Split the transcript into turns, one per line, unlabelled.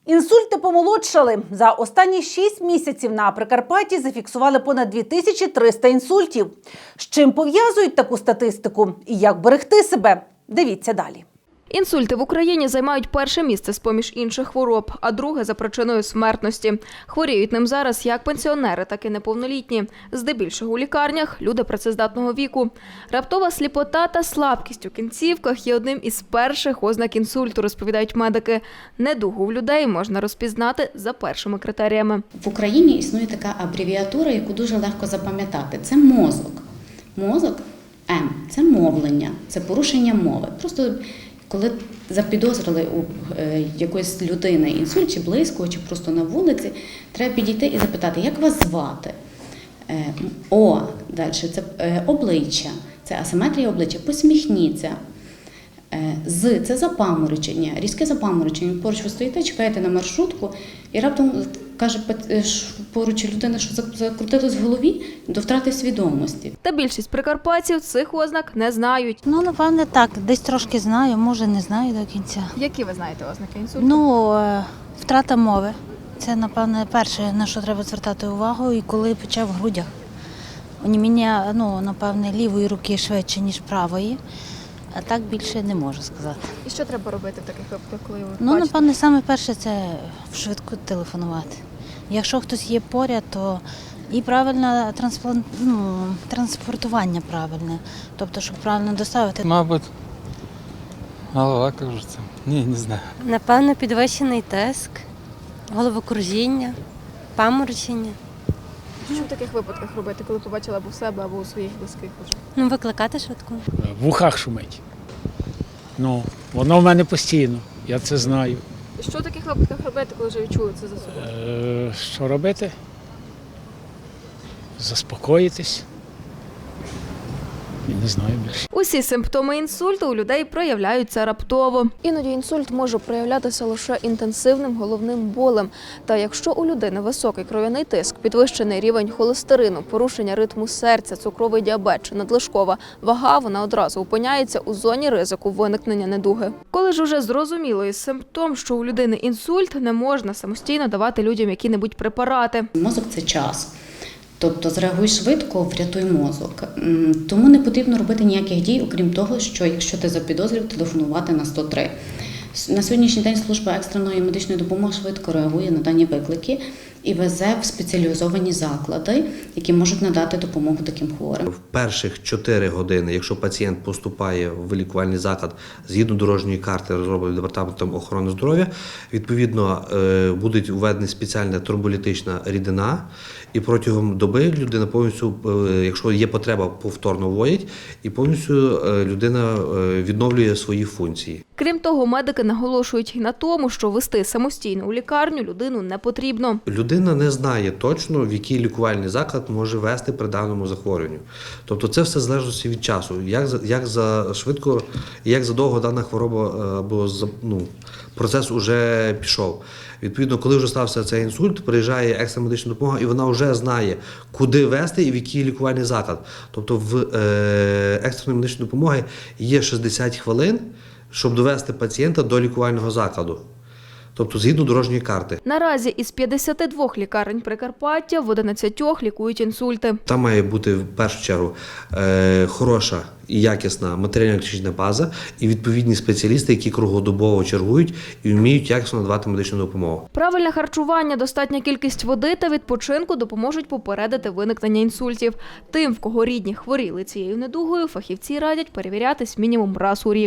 Інсульти помолодшали. За останні 6 місяців на Прикарпатті зафіксували понад 2300 інсультів. З чим пов'язують таку статистику і як берегти себе? Дивіться далі.
Інсульти в Україні займають перше місце з-поміж інших хвороб, а друге за причиною смертності. Хворіють ним зараз як пенсіонери, так і неповнолітні. Здебільшого у лікарнях – люди працездатного віку. Раптова сліпота та слабкість у кінцівках є одним із перших ознак інсульту, розповідають медики. Недугу в людей можна розпізнати за першими критеріями.
В Україні існує така абревіатура, яку дуже легко запам'ятати. Це мозок. Мозок – М – це мовлення, це порушення мови. Просто коли запідозрили у якоїсь людини інсульт, чи близького, чи просто на вулиці, треба підійти і запитати, як вас звати? О, далі, це обличчя, це асиметрія обличчя, посміхніться. З – це запаморочення, різке запаморочення. Поруч ви стоїте, чекаєте на маршрутку, і раптом каже поруч людина, що закрутилось в голові до втрати свідомості.
Та більшість прикарпатців цих ознак не знають.
Напевне, так. Десь трошки знаю, може не знаю до кінця.
Які ви знаєте ознаки інсульту?
Втрата мови. Це, напевне, перше, на що треба звертати увагу, і коли пече в грудях. Оніміння, напевне, лівої руки швидше, ніж правої. А так більше не можу сказати.
І що треба робити в таких випадках, коли ви бачите?
Напевне, саме перше – це швидко телефонувати. Якщо хтось є поряд, то і правильне транспортування правильне, тобто, щоб правильно доставити.
Мабуть, голова кружиться. Ні, не знаю.
Напевно, підвищений тиск, головокружіння, паморочення.
Що в таких випадках робити, коли побачила або в себе, або у своїх близьких?
Викликати швидку.
В ухах шумить. Воно в мене постійно, я це знаю.
І що в таких випадках робити, коли вже відчули це за собою?
Що робити? Заспокоїтись. Я не знаю більше.
Усі симптоми інсульту у людей проявляються раптово. Іноді інсульт може проявлятися лише інтенсивним головним болем. Та якщо у людини високий кров'яний тиск, підвищений рівень холестерину, порушення ритму серця, цукровий діабет чи надлишкова вага, вона одразу опиняється у зоні ризику виникнення недуги. Коли ж уже зрозуміло із симптом, що у людини інсульт, не можна самостійно давати людям які-небудь препарати.
Мозок – це час. Тобто зреагуй швидко, врятуй мозок. Тому не потрібно робити ніяких дій, окрім того, що якщо ти запідозрив, телефонувати на 103. На сьогоднішній день служба екстреної медичної допомоги швидко реагує на дані виклики і везе в спеціалізовані заклади, які можуть надати допомогу таким хворим.
В перших 4 години, якщо пацієнт поступає в лікувальний заклад згідно дорожньої карти, розробленої Департаментом охорони здоров'я, відповідно буде введена спеціальна турболітична рідина, і протягом доби людина повністю, якщо є потреба, повторно вводять, і повністю людина відновлює свої функції.
Крім того, медики наголошують і на тому, що вести самостійно у лікарню людину не потрібно.
Людина не знає точно, в який лікувальний заклад може вести при даному захворюванню. Тобто це все залежить від часу, як за швидко, як задовго дана хвороба або процес вже пішов. Відповідно, коли вже стався цей інсульт, приїжджає екстрена медична допомога, і вона вже знає, куди вести і в який лікувальний заклад. Тобто в екстреної медичної допомоги є 60 хвилин, щоб довести пацієнта до лікувального закладу. Тобто згідно дорожньої карти.
Наразі із 52 лікарень Прикарпаття в 11 лікують інсульти.
Там має бути в першу чергу хороша і якісна матеріально-технічна база і відповідні спеціалісти, які круглодобово чергують і вміють якісно надавати медичну допомогу.
Правильне харчування, достатня кількість води та відпочинку допоможуть попередити виникнення інсультів. Тим, в кого рідні хворіли цією недугою, фахівці радять перевірятись мінімум раз у рік.